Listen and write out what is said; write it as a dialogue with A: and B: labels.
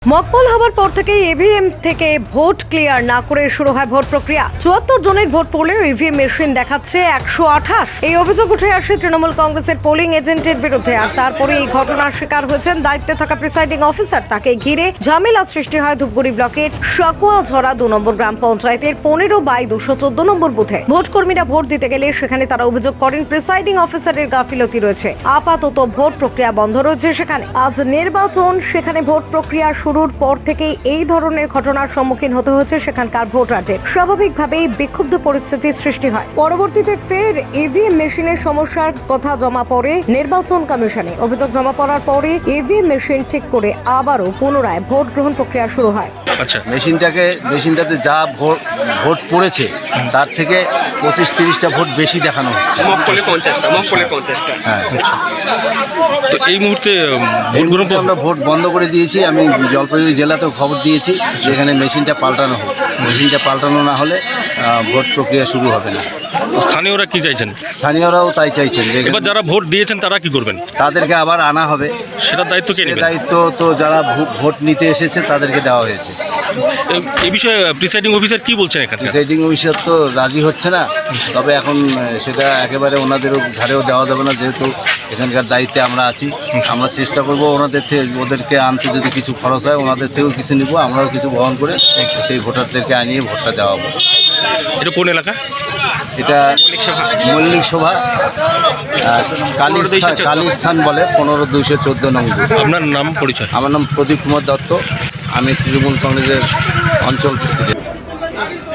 A: Mock poll হবার পর থেকে ইভিএম থেকে ভোট ক্লিয়ার না করে শুরু হয় ভোট প্রক্রিয়া। ৭৪ জনের ভোট পড়লেও ইভিএম মেশিন দেখাচ্ছে ১২৮। এই অভিযোগ উঠে আসে তৃণমূল কংগ্রেসের পোলিং এজেন্টের বিরুদ্ধে। আর তারপরে এই ঘটনার শিকার হয়েছেন দায়িত্বে থাকা প্রিসাইডিং অফিসার। তাকে ঘিরে ঝামেলা সৃষ্টি হয় ধূপগুড়ি ব্লকের সাকুয়াঝরা ২ নম্বর গ্রাম পঞ্চায়েতের ১৫/২১৪ নম্বর বুথে। ভোট কর্মীরা ভোট দিতে গেলে সেখানে তারা অভিযোগ করেন প্রিসাইডিং অফিসারের গাফিলতি রয়েছে। আপাতত ভোট প্রক্রিয়া বন্ধ রয়েছে সেখানে। আজ নির্বাচন, সেখানে ভোট প্রক্রিয়া শুরুর পর থেকেই এই ধরনের ঘটনার সম্মুখীন হতে হয়েছে সেখানকার ভোটারদের। স্বাভাবিকভাবেই বিক্ষুব্ধ পরিস্থিতির সৃষ্টি হয়। পরবর্তীতে ফের ইভিএম মেশিনের সমস্যার কথা জমা পড়ে নির্বাচন কমিশনে। অভিযোগ জমা পড়ার পরে ইভিএম মেশিন ঠিক করে আবারও পুনরায় ভোট গ্রহণ প্রক্রিয়া শুরু হয়।
B: আচ্ছা,
C: মেশিনটাতে যা ভোট পড়েছে তার থেকে ২৫-৩০টা ভোট বেশি দেখানো হচ্ছে।
B: মকপলে 50টা।
C: হ্যাঁ,
B: তো এই মুহূর্তে
C: এই মুহূর্তে আমরা ভোট বন্ধ করে দিয়েছি। আমি জলপাইগুড়ি জেলাতেও খবর দিয়েছি যেখানে মেশিনটা পাল্টানো হোক। মেশিনটা পাল্টানো না হলে ভোট প্রক্রিয়া শুরু হবে না।
B: স্থানীয়রা কি চাইছেন?
C: স্থানীয়রাও তাই চাইছেন যে
B: এবার যারা ভোট দিয়েছেন তারা কি করবেন?
C: তাদেরকে আবার আনা হবে।
B: সেটার দায়িত্ব কে নেবেন?
C: দায়িত্ব তো যারা ভোট নিতে এসেছে তাদেরকে দেওয়া হয়েছে।
B: এই বিষয়ে প্রিসাইডিং অফিসার কি বলছেন এখানে?
C: প্রিসাইডিং অফিসার তো রাজি হচ্ছে না। তবে এখন সেটা একেবারে ওনাদেরও ঘাড়েও দেওয়া যাবে না, যেহেতু এখানকার দায়িত্বে আমরা আছি। আমরা চেষ্টা করবো ওদেরকে আনতে যদি কিছু খরচ হয় ওনাদের থেকেও কিছু নিব, আমরাও কিছু বহন করে সেই ভোটারদেরকে আনিয়ে ভোটটা দেওয়া হবে।
B: এটা কোন এলাকা?
C: এটা মল্লিক সভা কালীস্থান বলে ১৫/২১৪ নম্বর।
B: আপনার নাম, পরিচয়?
C: আমার নাম প্রদীপ কুমার দত্ত। আমি তৃণমূল কংগ্রেসের অঞ্চল প্রেসিডেন্ট।